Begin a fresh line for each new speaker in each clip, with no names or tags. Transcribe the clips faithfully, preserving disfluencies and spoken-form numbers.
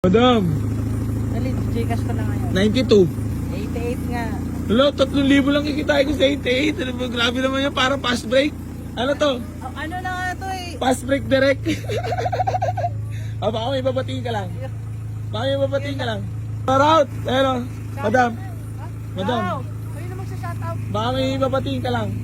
Madam,
Dali, Gcash ko na ngayon.
ninety-two.
eighty-eight nga.
Wala, tatlong libo lang kikitain ko sa eighty-eight. Ano ba, grabe naman yan, parang fast break. Ano to?
Oh, ano na nga to eh.
Fast break direct. Ah, baka may babatiin ka lang. Baka may babatiin ka lang. Shout out! Ayun o, madam. Madam,
Wow! Kayo na magsa-shoutout.
baka may babatiin ka lang.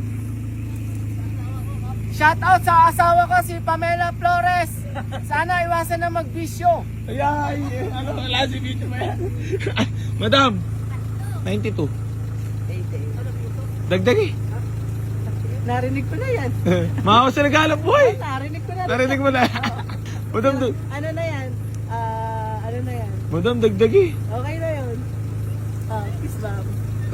Shoutout sa asawa ko, si Pamela Flores. Sana iwasan na magbisyo.
Ay, ay, ano, wala si video ba yan? Madam, ninety-two.
eighty-eight.
Dagdag eh.
Narinig ko na yan.
Makawa sa naghalap buhay.
Narinig ko na.
Narinig mo na. Madam, du-
Ano na yan? Ah, ano na yan?
madam, dagdag eh.
Okay na yun. Ah, kiss bomb.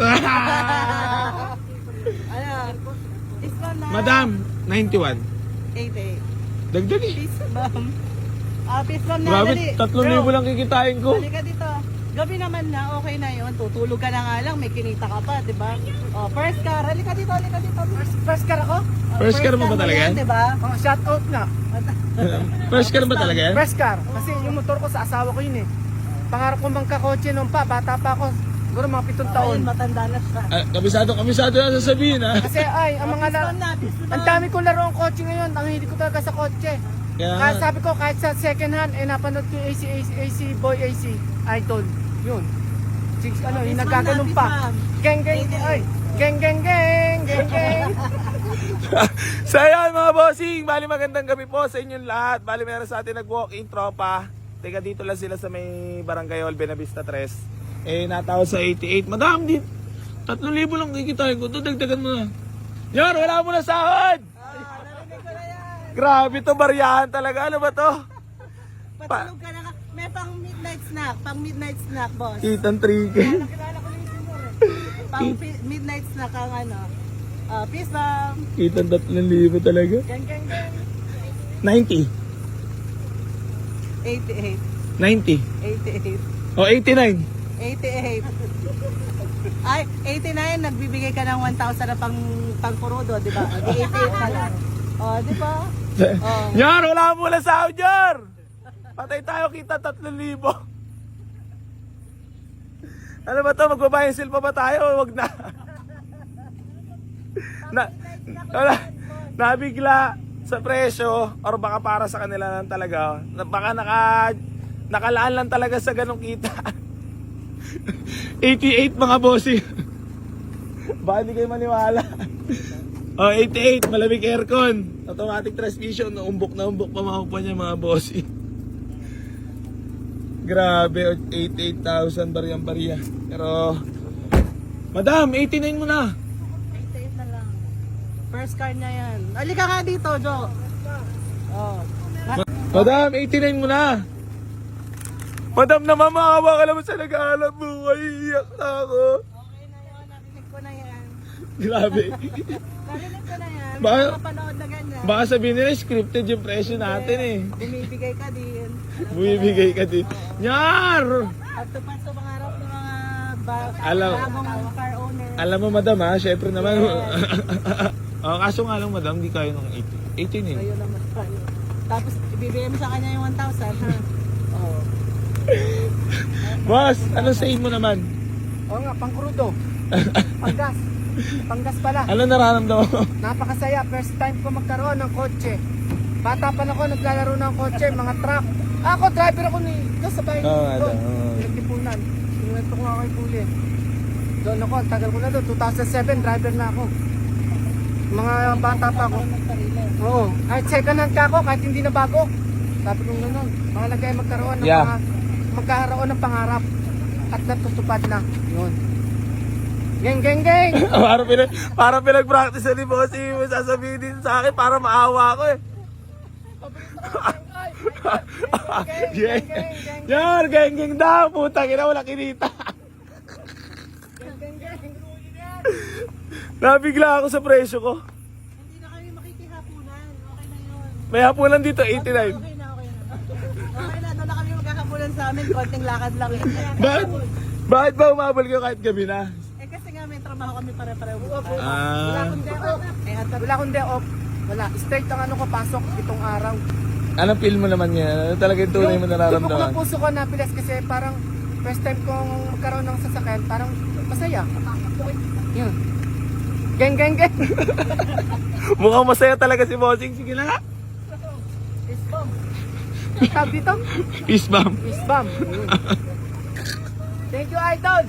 Ano? Kiss bomb na.
Madam, ninety-one.
eighty-eight.
Dagdag eh.
Kiss bomb. Ah, kiss bomb na.
Grabe,
dali.
tatlong
Bro,
libo lang kikitain ko.
halika dito. Gabi naman na, okay na yun. Tutulog ka na nga lang, may kinita ka pa, di ba? Oh, first car, halika dito, halika dito. First, first car ako? Oh,
First car mo ba talaga yan?
Di ba? Oh, shout out na.
First car ba talaga yan?
Press car. Kasi yung motor ko sa asawa ko yun eh. Pangarap ko magkakotse nung pa, bata pa ako. Siguro mga pitong taon.
Ayun, matanda na siya.
Ah, kabisado, kabisado na sasabihin ha.
Kasi ay, ang mga laro,
Piston na, piston na.
ang dami kong laro ang kotse ngayon. Ang hindi ko talaga sa kotse.
Kaya
Kaya
nga,
sabi ko, kahit sa second hand, eh napanood ko yung A C, A C, A C, Boy A C, Idol. Yun. Six, ano, yung
Piston
nagkaganong
na,
pa.
piston.
Geng, geng, ay. Geng, geng, geng, geng, geng.
so ayan mga bossing, bali magandang gabi po sa inyong lahat. Bali meron sa atin nag-walk-in tropa. Teka dito lang sila sa may Barangay Hall, Benavista tres. Eh natawag sa eighty-eight. Madam, di tatlong libo lang kikitain ko. Ito dagdagan mo na. Yan, wala mo na sahod.
Ah, narinig ko na yan.
Grabe to, baryahan talaga. Ano ba to?
Patulog ka na ka. May pang midnight snack, pang midnight snack, boss.
Kitang three K.
Pang pi- midnight snack ang ano. Ah, peace bomb.
Kitang tatlong libo talaga.
Gang, gang, gang.
ninety.
eighty-eight.
ninety.
eighty-eight.
O, eighty-nine.
eighty-eight. Ay, eighty-nine, nagbibigay ka ng one thousand na pang, pang kurudo, di ba? O, di eighty-eight na lang. O, di ba? Oh.
Yan, wala mo na sahod, Jar! Patay tayo, kita tatlong libo. Ano ba to? Magbabayansil pa ba tayo? Wag na. na, wala, nabigla sa presyo or baka para sa kanila lang talaga. Na- Baka naka, nakalaan lang talaga sa ganong kita. eighty-eight mga bossing. Baka hindi kayo maniwala. Oh, eighty-eight, malamig aircon, automatic transmission, umbok na umbok pa makupa niya mga bossing. Grabe, eighty-eight thousand bariyang bariya. Pero, madam, eighty-nine mo na.
eighty-eight na lang. First car niya yan. Halika nga dito, Jo. Oh.
Madam, eighty-nine mo na. Madam, namamahawa ka naman sa nag-aalap buhay. Iyak na ako.
Okay na yun, narinig ko na yan.
Grabe.
Narinig ko na yan.
Ba-
Mapapanood na ganyan.
Baka sabihin nila, scripted yung presyo natin eh.
Bumibigay ka din.
Bumibigay ka din. Nyar!
At tupad sa pangarap ng mga ba-
Alam-
bagong car owner.
Alam mo, madam ha, syempre naman. oh, kaso nga lang, madam, di kaya ng eighty. eighty-nine.
Ayun naman tayo. Tapos ibibigay mo sa kanya yung one thousand, ha? Oo.
Boss, anong say mo naman?
Oo nga, pang krudo. Panggas. Panggas pala.
Ano nararamdaman mo?
Napakasaya. First time ko magkaroon ng kotse. Bata pa na ako, naglalaro ng kotse, mga truck. Ako, driver ako ni... Doon sa bahay.
Oo, ano,
doon.
oo.
Pinagtipunan. Sinuwento ko nga kay Puli. Doon ako, ang tagal ko na doon. two thousand seven, driver na ako. Mga bata pa ako. Oo. Kahit second hand ka ako, kahit hindi na bago. Sabi ko gano'n. Mahalaga ay magkaroon ng
Yeah.
mga... Magkaroon ng pangarap. At natutupad na. Yun. Geng, geng, geng!
para pinag para pinag-practice na ni bossing mo sasabihin din sa akin para maawa ko eh. Geng. Yar, geng geng daw, putang ina wala kinita. Nabigla ako sa presyo ko.
Hindi na kami makikihapunan. Okay na yun.
May hapunan dito eighty-nine.
Okay na, okay na. Okay na, doon na kami magkakapunan sa amin. Konting lakad lang yun.
Bakit? Bakit ba umabol kayo kahit gabi na?
Eh kasi nga may trabaho kami pare-pareho.
Wala
Ah,
akong day off.
Eh, at
Wala akong day off. Wala. Straight ang ano ko, pasok itong araw.
Anong feel mo naman yan? Ano talaga yung tunay mo
Tubok ng
nararamdaman?
puso ko na pilas kasi parang first time kong magkaroon ng sasakyan, parang masaya. Yun. Geng, geng, geng.
Mukhang masaya talaga si Bossing. Sige na nga.
Fist bump. Tawag dito?
Peace bomb.
Fist bump. Yun. Thank you, Idol.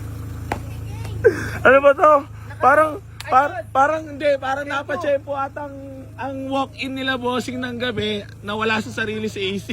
Ano ba to? Parang, par, parang hindi, parang napachempo at ang, ang walk-in nila Bossing ng gabi na wala sa sarili sa A C.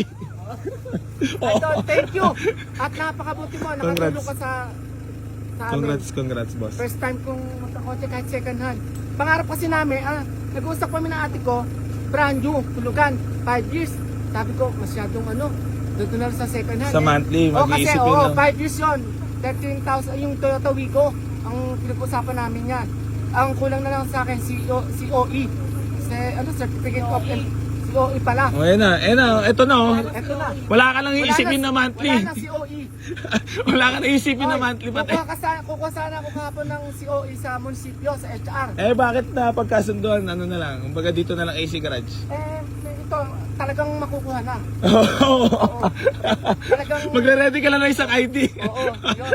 Idol, thank you. At napakabuti mo. Nakatulong
Congrats.
ka sa, sa amin.
Congrats, congrats boss.
First time kong magkakotse kahit second hand. Pangarap kasi namin, ah, nag-uusap kami ng ate ko, brand new, tulugan, five years. Sabi ko, masyadong ano, doon na lang sa second hand.
Sa
eh.
monthly,
Oo, kasi,
mag-iisip yun
oo,
lang.
five years yun. thirteen thousand, yung Toyota Wigo, ang pinag-usapan namin yan. Ang kulang na lang sa akin, C O, C O E. Kasi, ano, Certificate of C O E pala.
O, yan na, yan na, ito na oh.
Eto na.
Wala ka nang
Wala
iisipin na
na-
monthly.
Wala na C O E.
Wala ka nang iisipin na
Oy,
monthly pati.
Kukuha, ka sa, kukuha sana ako kahapon ng C O E sa munisipyo, sa H R.
Eh bakit na pagkasunduan, ano na lang, kumbaga dito na lang A C garage?
Eh, ito, talagang makukuha na.
Oo.
Talagang,
Magre-ready ka lang ng isang I D.
oo, yun.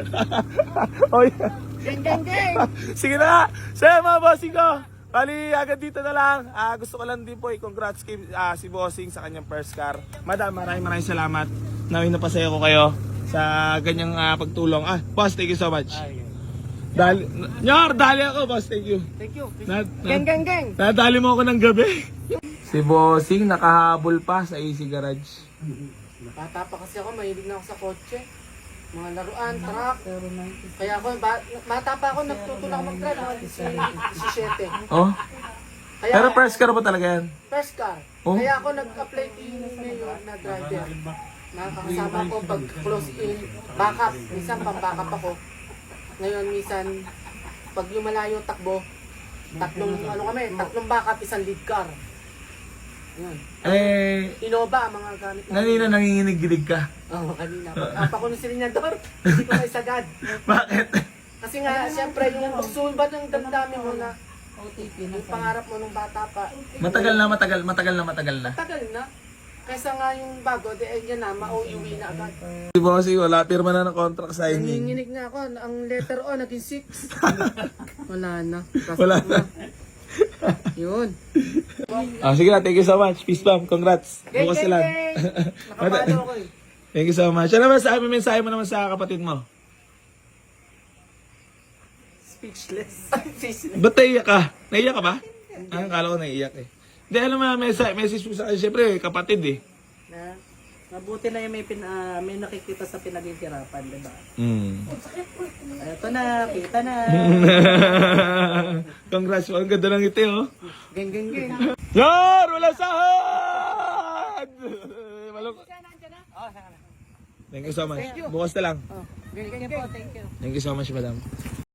Oy.
Geng, geng, geng.
Sige na nga. So yun, mga bossing ko. Bali, agad dito na lang. Ah, gusto ko lang din po i-congrats kay ah, si Bossing sa kanyang first car. Madam, maraming maraming salamat. Nawin na pasaya ko kayo sa ganyang ah, pagtulong. Ah, boss, thank you so much. Dali, Nyor, dali ako, boss. Thank you.
Thank you.
Na,
Geng, geng, geng.
Nadali mo ako ng gabi. Si Bossing nakahabol pa sa A C Garage.
Bata pa kasi ako, mahilig na ako sa kotse. Mga laruan, truck. Kaya ako, ba, bata pa ako, nagtutulak mag-drive. Mga disisiete.
Oh?
Kaya,
Pero first car ba talaga yan?
first car.
Oh?
Kaya ako nag-apply din ngayon na driver. Nakakasama ko pag close in, backup. Minsan pang backup ako. Ngayon, minsan, pag yung malayo takbo, tatlong, ano kami, tatlong backup, isang lead car. Yun.
Eh,
Innova, ang mga gamit namin.
nanina nanginginig-ginig ka.
Oo, kanina. Apa ko ng silinyador, hindi ko may sagad.
Bakit?
Kasi nga, siyempre, yung sulbat ng damdamin mo na, yung pangarap mo nung bata pa,
Matagal na, matagal, matagal na, matagal na.
tagal na. Kaysa nga yung bago, di eh, yan na, ma-O-U-W na agad.
Si Bossing, wala, pirma na ng contract signing.
Nanginginig na ako, ang letter O, naging six. Wala na.
Wala na.
Yun.
Ah, sige na, thank you so much. Peace bomb, congrats.
Geng,
Bukas
geng,
na lang.
geng. Nakapalo ako eh.
Thank you so much. Ano naman sa amin, mensahe mo naman sa kapatid mo?
Speechless. Speechless.
Ba't naiyak ka? Naiyak ka ba? Ah, akala ko naiyak eh. Hindi, alam mo, message, message mo sa akin, syempre, kapatid eh.
Na, mabuti na yung may, pin, ah, may nakikita sa pinaghihirapan, di ba?
Mm.
Ito na, kita na.
Congrats po, ang ganda ng ngiti oh.
Geng, geng, geng.
Yar! Wala sahod! Malung- Thank you so much. Bukas na lang.
Geng, geng,
Thank you
geng.
po, thank you.
Thank you so much, madam.